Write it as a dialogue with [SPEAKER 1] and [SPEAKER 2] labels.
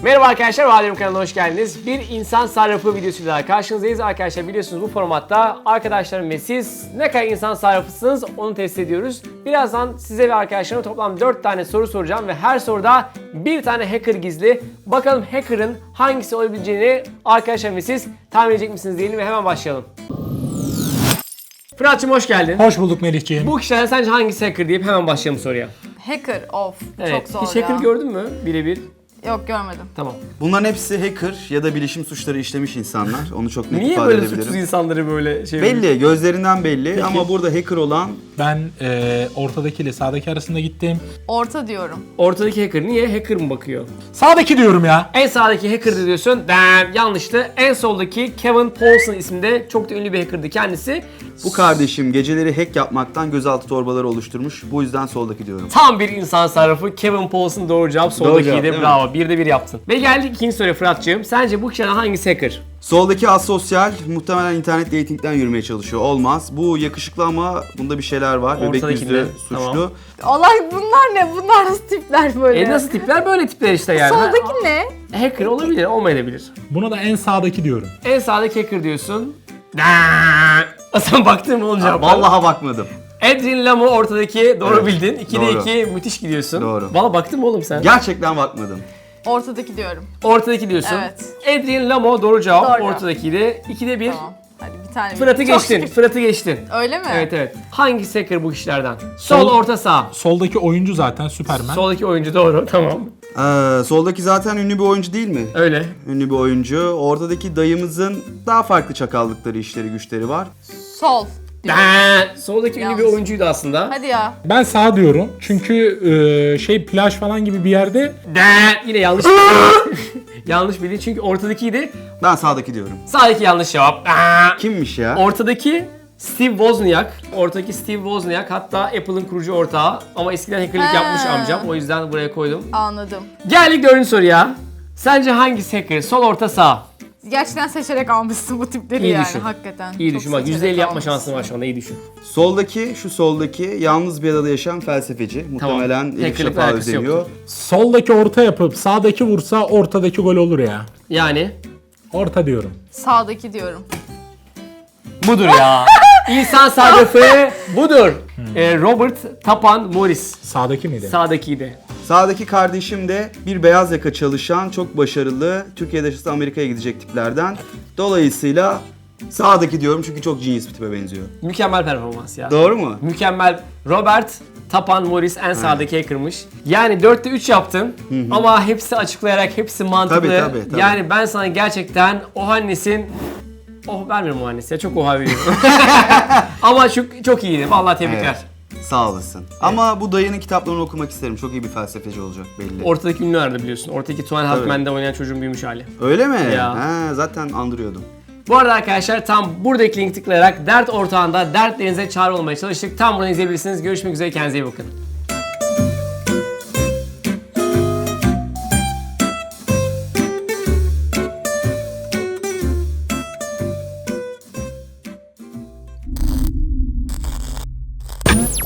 [SPEAKER 1] Merhaba arkadaşlar, Vadem kanalına hoş geldiniz. Bir insan sarrafı videosuyla daha karşınızdayız. Arkadaşlar biliyorsunuz bu formatta arkadaşlarım ve siz ne kadar insan sarrafısınız onu test ediyoruz. Birazdan size ve arkadaşlarıma toplam 4 tane soru soracağım ve her soruda bir tane hacker gizli. Bakalım hacker'ın hangisi olabileceğini arkadaşlarım ve siz tahmin edecek misiniz diyelim ve hemen başlayalım. Fırat'cığım hoş geldin.
[SPEAKER 2] Hoş bulduk Melihciğim.
[SPEAKER 1] Bu kişilerden sence hangisi hacker deyip hemen başlayalım soruya.
[SPEAKER 3] Hacker of.
[SPEAKER 1] Evet.
[SPEAKER 3] Çok zor
[SPEAKER 1] Hiç
[SPEAKER 3] ya.
[SPEAKER 1] hacker gördün mü birebir?
[SPEAKER 3] Yok görmedim.
[SPEAKER 1] Tamam.
[SPEAKER 4] Bunların hepsi hacker ya da bilişim suçları işlemiş insanlar. Onu çok net
[SPEAKER 1] Niye
[SPEAKER 4] ifade
[SPEAKER 1] böyle
[SPEAKER 4] edebilirim.
[SPEAKER 1] suçsuz insanları böyle şey
[SPEAKER 4] Belli, gözlerinden belli ama burada hacker olan
[SPEAKER 2] Ben ortadaki ile sağdaki arasında gittim.
[SPEAKER 3] Orta diyorum.
[SPEAKER 1] Ortadaki hacker niye? Hacker mı bakıyor?
[SPEAKER 2] Sağdaki diyorum ya.
[SPEAKER 1] En sağdaki hacker diyorsun. Yanlıştı. En soldaki Kevin Paulson isminde çok da ünlü bir hacker'dı kendisi.
[SPEAKER 4] bu kardeşim geceleri hack yapmaktan gözaltı torbaları oluşturmuş. Bu yüzden soldaki diyorum.
[SPEAKER 1] Tam bir insan sarrafı. Kevin Paulson doğru cevap. Soldakiydi.
[SPEAKER 4] cevap, değil mi?
[SPEAKER 1] Bravo. Bir de bir yaptın. Ve geldik ikinci soruya Fırat'cığım. Sence bu kişiden hangisi hacker?
[SPEAKER 4] Soldaki asosyal, muhtemelen internet dating'den yürümeye çalışıyor. Olmaz. Bu yakışıklı ama bunda bir şeyler var. Bebek
[SPEAKER 1] Ortadaki
[SPEAKER 4] yüzlü,
[SPEAKER 1] de,
[SPEAKER 4] suçlu.
[SPEAKER 1] tamam.
[SPEAKER 3] Olay bunlar ne? Bunlar nasıl tipler böyle?
[SPEAKER 1] Nasıl tipler? Böyle tipler işte yani.
[SPEAKER 3] Soldaki ne?
[SPEAKER 1] Hacker olabilir, olmayabilir.
[SPEAKER 2] Buna da en sağdaki diyorum.
[SPEAKER 1] En sağdaki hacker diyorsun. Sen baktın mı olacak?
[SPEAKER 4] Vallahi bakmadım.
[SPEAKER 1] Adrian Lamo ortadaki. Doğru
[SPEAKER 4] Evet,
[SPEAKER 1] bildin. 2'de
[SPEAKER 4] doğru.
[SPEAKER 1] 2 müthiş gidiyorsun.
[SPEAKER 4] Doğru.
[SPEAKER 1] Valla baktın mı oğlum sen?
[SPEAKER 4] Gerçekten bakmadım.
[SPEAKER 3] Ortadaki diyorum.
[SPEAKER 1] Ortadaki diyorsun.
[SPEAKER 3] Evet.
[SPEAKER 1] Adrian Lamo doğru cevap.
[SPEAKER 3] Doğru.
[SPEAKER 1] Ortadakiydi. 2'de 1.
[SPEAKER 3] Tamam. Hadi bir tane.
[SPEAKER 1] Fırat'ı
[SPEAKER 3] Çok
[SPEAKER 1] geçtin.
[SPEAKER 3] şükür.
[SPEAKER 1] Fırat'ı geçtin.
[SPEAKER 3] Öyle mi?
[SPEAKER 1] Evet evet. Hangisi hacker bu kişilerden? Sol, orta, sağ.
[SPEAKER 2] Soldaki oyuncu zaten Superman.
[SPEAKER 1] Soldaki oyuncu doğru. Tamam.
[SPEAKER 4] Soldaki zaten ünlü bir oyuncu değil mi?
[SPEAKER 1] Öyle.
[SPEAKER 4] Ünlü bir oyuncu. Ortadaki dayımızın daha farklı çakallıkları, işleri, güçleri var.
[SPEAKER 3] Sol. diyorum.
[SPEAKER 1] Soldaki ünlü bir
[SPEAKER 3] Yanlış.
[SPEAKER 1] oyuncuydu aslında.
[SPEAKER 3] Hadi ya.
[SPEAKER 2] Ben sağ diyorum. Çünkü plaj falan gibi bir yerde
[SPEAKER 1] Yine yanlış. Yanlış bildin çünkü ortadakiydi.
[SPEAKER 4] Ben sağdaki diyorum.
[SPEAKER 1] Sağdaki yanlış cevap.
[SPEAKER 4] Kimmiş ya?
[SPEAKER 1] Ortadaki Steve Wozniak. Ortadaki Steve Wozniak hatta Apple'ın kurucu ortağı. Ama eskiden hackerlık
[SPEAKER 3] Ha.
[SPEAKER 1] yapmış amcam. O yüzden buraya koydum.
[SPEAKER 3] Anladım.
[SPEAKER 1] Geldik dördüncü soruya. Sence hangisi hacker? Sol, orta, sağ.
[SPEAKER 3] Gerçekten seçerek almışsın bu tipleri
[SPEAKER 1] İyi
[SPEAKER 3] yani
[SPEAKER 1] düşün.
[SPEAKER 3] hakikaten.
[SPEAKER 1] İyi
[SPEAKER 3] Çok
[SPEAKER 1] düşün bak
[SPEAKER 3] seçerek
[SPEAKER 1] %50 yapma
[SPEAKER 3] almışsın.
[SPEAKER 1] şansın var şu anda iyi düşün.
[SPEAKER 4] Soldaki, şu soldaki yalnız bir adada yaşayan felsefeci. Muhtemelen Elif
[SPEAKER 1] Hackerlıkla
[SPEAKER 4] Şafak'a
[SPEAKER 1] alakası
[SPEAKER 4] özeniyor.
[SPEAKER 1] yoktur.
[SPEAKER 2] soldaki orta yapıp sağdaki vursa ortadaki gol olur ya.
[SPEAKER 1] Yani
[SPEAKER 2] Orta diyorum.
[SPEAKER 3] Sağdaki diyorum.
[SPEAKER 1] budur ya. İnsan sarrafı budur. Robert Tapan Morris.
[SPEAKER 2] Sağdaki miydi?
[SPEAKER 1] Sağdakiydi.
[SPEAKER 4] Sağdaki kardeşim de bir beyaz yaka çalışan, çok başarılı, Türkiye'de yaşasa Amerika'ya gidecek tiplerden. Dolayısıyla sağdaki diyorum çünkü çok genius bir tipe benziyor.
[SPEAKER 1] Mükemmel performans ya.
[SPEAKER 4] Doğru mu?
[SPEAKER 1] Mükemmel. Robert Tapan Morris en sağdaki hacker'mış. Yani 4'te 3 yaptın ama hepsi açıklayarak, hepsi mantıklı.
[SPEAKER 4] Tabii.
[SPEAKER 1] Yani ben sana gerçekten Ohannes'in... vermiyorum Ohannes'e, çok oha veriyorum. Ama çok iyiydi. Vallahi tebrikler.
[SPEAKER 4] Evet. Sağ olasın. Ama bu dayının kitaplarını okumak isterim. Çok iyi bir felsefeci olacak belli.
[SPEAKER 1] Ortadaki ünlü nerede biliyorsun? Ortadaki Tuan Halkman'da oynayan çocuğun büyümüş hali.
[SPEAKER 4] Öyle mi?
[SPEAKER 1] Ya.
[SPEAKER 4] Ha, zaten andırıyordum.
[SPEAKER 1] Bu arada arkadaşlar tam buradaki linki tıklayarak dert ortağında dertlerinize çare olmaya çalıştık. Tam buradan izleyebilirsiniz. Görüşmek üzere, kendinize iyi bakın.